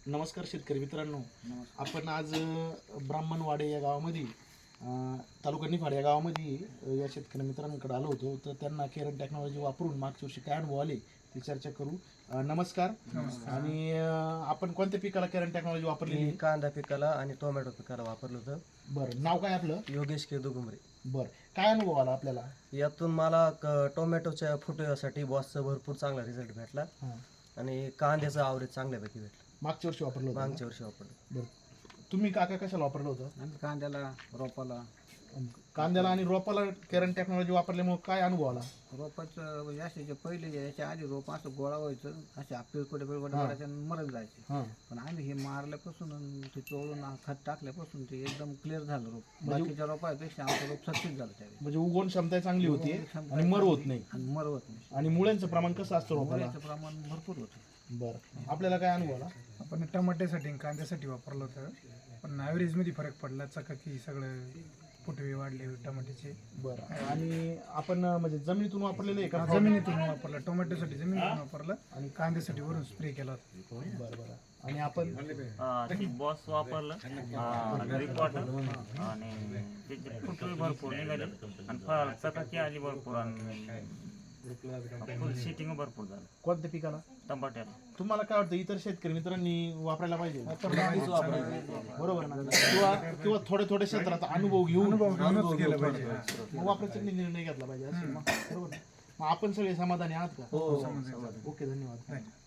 नमस्कार शेतकरी मित्रांनो, आपण आज ब्राह्मणवाडे या गावामध्ये तालुका निफाड या गावामध्ये या शेतकरी मित्रांकडे आलो होतो. तर त्यांना केरन टेक्नॉलॉजी वापरून मागच्या वर्षी काय अनुभव आले ते चर्चा करू. नमस्कार. आणि आपण कोणत्या पिकाला केरन टेक्नॉलॉजी वापरली? कांदा पिकाला आणि टोमॅटो पिकाला वापरलं होतं. बरं, नाव काय आपलं? योगेश केदू गुमरे. बरं, काय अनुभव आला आपल्याला यातून मला टोमॅटोच्या फुटव्यासाठी बॉसचा भरपूर चांगला रिझल्ट भेटला आणि कांद्याचा आवरेज चांगल्यापैकी भेटला. मागच्या वर्षी वापरलं होतं? मागच्या वर्षी वापरलं. बरं, तुम्ही काका कशाला वापरलं होतं? आणि कांद्याला रोपाला आणि रोपाला केरन टेक्नॉलॉजी वापरल्यामुळे काय अनुभव आला? रोपाचं याचे पहिले याच्या आधी रोप असं गोळा व्हायचं, असे पिळकोटे पिळकोटे मरत जायचे. पण आम्ही हे मारल्यापासून आणि ते चोळून खत टाकल्यापासून ते एकदम क्लिअर झालं रोप. बाकीच्या रोपापेक्षा आमचं रोप सक्सेस झालं त्यावेळी. म्हणजे उगवण क्षमता चांगली होती आणि मर होत नाही. आणि मरवत नाही. आणि मुळ्यांचं प्रमाण कसं असतं रोपाला? मुळ्याचं प्रमाण भरपूर होतं. बरं, आपल्याला काय अनुभव आला? आपण टमाट्यासाठी आणि कांद्यासाठी वापरलं होतं, पण ॲव्हरेजमध्ये फरक पडला. चकाकी सगळं फुटवे वाढले टमाट्याचे. बरं, आणि आपण म्हणजे जमिनीतून वापरलेलं आहे का? जमिनीतून वापरलं, टोमॅटोसाठी जमिनीतून वापरलं आणि कांद्यासाठी वरून स्प्रे केला होता. बरं बरं. आणि आपण बॉस वापरलं रिपोर्टर आणि त्याचे फुटवे भरपूर निघाले आणि फळ चकाकी आली भरपूर आणि फुल सिटिंग भरपूर झालं. कोणत्या पिकाला? टमाट्याला. तुम्हाला काय वाटतं, इतर शेतकरी मित्रांनी वापरायला पाहिजे बरोबर ना? किंवा थोड्या क्षेत्रात अनुभव घेऊन केलं पाहिजे. मग वापरायचा निर्णय घेतला पाहिजे, असं मग बरोबर ना? मग आपण सगळे समाधानी आहात का? समजायचं. ओके, धन्यवाद.